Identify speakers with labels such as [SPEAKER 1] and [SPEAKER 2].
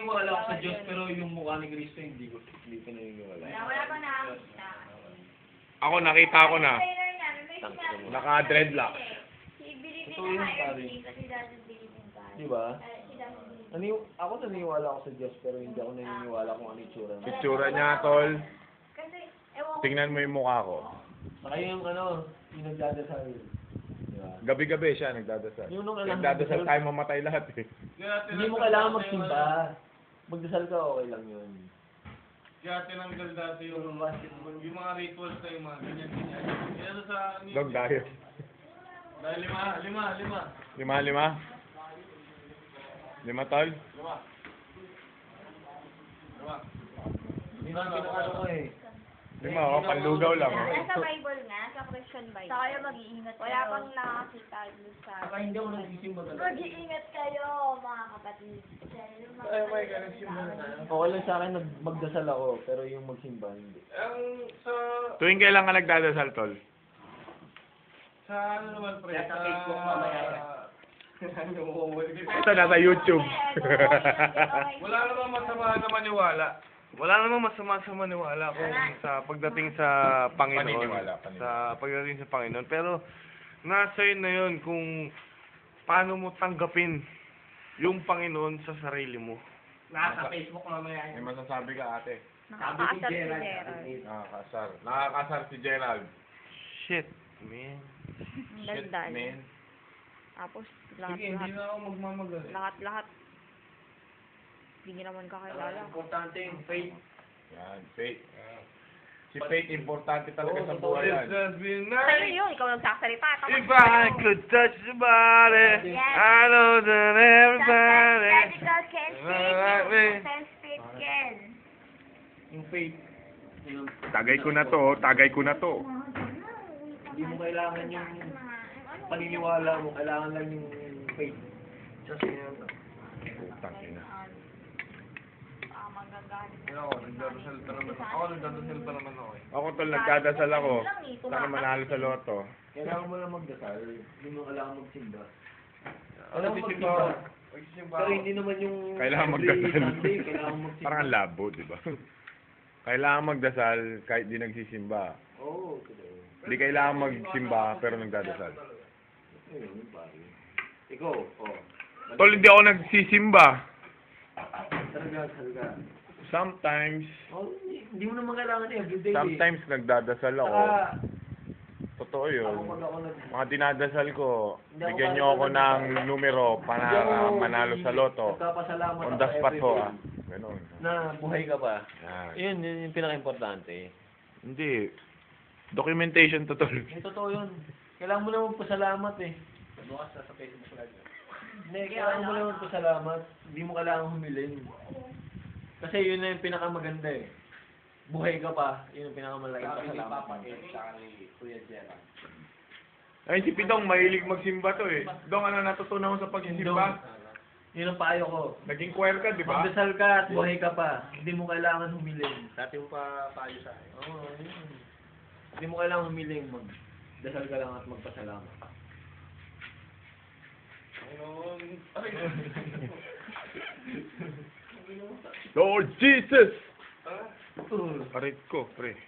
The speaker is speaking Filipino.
[SPEAKER 1] naniniwala ako sa Diyos, pero yung mukha ni Cristo hindi ko naniniwala.
[SPEAKER 2] Wala pa nakakita.
[SPEAKER 3] Ako, nakita ko na.
[SPEAKER 2] Trailer niya, may sinabi.
[SPEAKER 3] Naka-dreadlocks.
[SPEAKER 2] He believed
[SPEAKER 1] Totoo
[SPEAKER 2] in
[SPEAKER 1] yun,
[SPEAKER 2] a higher
[SPEAKER 1] pare.
[SPEAKER 2] being, but he doesn't believe in God.
[SPEAKER 1] Di ba?
[SPEAKER 2] He doesn't believe.
[SPEAKER 1] Ako naniniwala ako sa Diyos, pero hindi ako naniniwala kung ano itsura niya.
[SPEAKER 3] Itsura niya, tol.
[SPEAKER 2] Kasi, ewan ko.
[SPEAKER 3] Tingnan mo yung mukha ko.
[SPEAKER 1] Saka yung yung nagdadasal. Di ba?
[SPEAKER 3] Gabi-gabi siya nagdadasal.
[SPEAKER 1] Yung nung alam-
[SPEAKER 3] Nagdadasal tayo mamatay lahat eh.
[SPEAKER 1] Hindi mo kailangan magsimba. Magdasal ka, okay lang yun.
[SPEAKER 4] Kaya tinanggal dati yung mga rituals na yung mga ganyan-ganyan. Yan sa...
[SPEAKER 3] Dog tayo.
[SPEAKER 4] Dahil lima.
[SPEAKER 3] Lima, tol?
[SPEAKER 1] Hindi na pinakano ko eh.
[SPEAKER 3] Lima, oh, panlugaw lang. Oh.
[SPEAKER 2] Nasa Bible nga, sa Christian Bible. Saka kayo mag-iingat. Wala pang nakakita doon sa...
[SPEAKER 1] Saka hindi ako nagsisimba talaga.
[SPEAKER 2] Mag-iingat kayo, mga kapatid.
[SPEAKER 4] Ay, may ganun simba na.
[SPEAKER 1] Okay lang sa akin magdasal ako, pero yung magsimba hindi.
[SPEAKER 4] Ang sa...
[SPEAKER 3] Tuwing kailan ka nagdadasal, tol?
[SPEAKER 4] Sa ano naman, pre?
[SPEAKER 1] Sa Facebook mamaya.
[SPEAKER 3] Ito, nasa YouTube.
[SPEAKER 4] Wala namang masama na maniwala. Wala namang masama sa maniwala kung sa pagdating sa Panginoon.
[SPEAKER 3] Paniniwala.
[SPEAKER 4] Sa pagdating sa Panginoon. Pero, nasa yun na yun kung paano mo tanggapin yung Panginoon sa sarili mo.
[SPEAKER 1] Nasa Facebook mamaya.
[SPEAKER 3] May masasabi ka, ate.
[SPEAKER 2] Nakakasar si Gerald.
[SPEAKER 3] Nakakasar si Gerald.
[SPEAKER 4] Shit, man.
[SPEAKER 2] Ang
[SPEAKER 4] Shit,
[SPEAKER 2] daldal.
[SPEAKER 4] man.
[SPEAKER 2] Tapos,
[SPEAKER 4] Sige, hindi na ako magmamagal.
[SPEAKER 2] lahat. Hindi niyo naman kakilala.
[SPEAKER 1] Importante yung faith.
[SPEAKER 3] Yan, faith. Si faith, importante talaga sa buhay yan.
[SPEAKER 4] Just be
[SPEAKER 2] Sa'yo
[SPEAKER 4] nice.
[SPEAKER 2] yun, ikaw nagsasalita.
[SPEAKER 4] If I could touch your body,
[SPEAKER 2] Yes.
[SPEAKER 4] I know that everybody.
[SPEAKER 2] Medical can save you. Can.
[SPEAKER 1] Yung faith. Yung,
[SPEAKER 3] Tagay ko na to, tagay ko na to.
[SPEAKER 1] hindi mo kailangan yung paniniwala mo, kailangan lang yung faith. Just yun.
[SPEAKER 3] Putang ina.
[SPEAKER 2] Magagalit.
[SPEAKER 4] Ako, nagdadasal pa naman ako eh.
[SPEAKER 3] Ako, tol, nagdadasal ako. Sana manalo sa loto.
[SPEAKER 1] Kailangan mo lang magdasal. Hindi mo kailangan magsimba.
[SPEAKER 4] Ano
[SPEAKER 1] Alam mo
[SPEAKER 4] magsisimba?
[SPEAKER 1] magsimba.
[SPEAKER 4] Magsisimba
[SPEAKER 1] Pero
[SPEAKER 4] ako.
[SPEAKER 1] hindi naman yung
[SPEAKER 3] Kailangan
[SPEAKER 1] every
[SPEAKER 3] magdasal.
[SPEAKER 1] Sunday, kailangan magsimba.
[SPEAKER 3] Parang ang labo, di ba? Kailangan magdasal kahit di nagsisimba.
[SPEAKER 1] Oo, totoo.
[SPEAKER 3] Di kailangan magsimba pero nagdadasal.
[SPEAKER 1] Ayun, pare. Ikaw, oh.
[SPEAKER 3] Tol, hindi ako nagsisimba.
[SPEAKER 1] Talaga.
[SPEAKER 3] Sometimes,
[SPEAKER 1] Oh, hindi mo naman kailangan everyday.
[SPEAKER 3] sometimes nagdadasal ako.
[SPEAKER 1] Saka,
[SPEAKER 3] Totoo
[SPEAKER 1] ako
[SPEAKER 3] yun.
[SPEAKER 1] pag ako
[SPEAKER 3] Mga dinadasal ko,
[SPEAKER 1] Hindi ako
[SPEAKER 3] bigyan niyo ako ng numero para manalo sa loto.
[SPEAKER 1] Nagpapasalamat
[SPEAKER 3] On
[SPEAKER 1] ako
[SPEAKER 3] the spot ho,
[SPEAKER 1] everyday
[SPEAKER 3] ah. Ganun.
[SPEAKER 1] na buhay ka pa.
[SPEAKER 3] Yan.
[SPEAKER 1] Yun yung pinaka-importante.
[SPEAKER 3] Hindi. Documentation to, tol.
[SPEAKER 1] Totoo yun. Kailangan mo naman pasalamat eh. Bukas sa Facebook live. Hindi, kailangan mo naman pasalamat. Hindi mo kailangan humiling. Kasi yun na yung pinakamaganda eh. Buhay ka pa, yun yung pinakamalaking pasalamat.
[SPEAKER 3] Ay, si Pidong, mahilig magsimba to eh. Dong, ano natutunan mo sa pagsisimba?
[SPEAKER 1] Yun ang payo ko.
[SPEAKER 3] Naging choir ka, di ba?
[SPEAKER 1] Magdasal ka at buhay ka pa. Hindi mo kailangan humiling.
[SPEAKER 4] Dati mo pa payo sa akin.
[SPEAKER 1] Oo, yun. Hindi mo kailangan humiling. Magdasal ka lang at magpasalamat.
[SPEAKER 4] Ayun. Ay.
[SPEAKER 3] Lord Jesus!
[SPEAKER 1] Oo.
[SPEAKER 3] Arit ko, pre.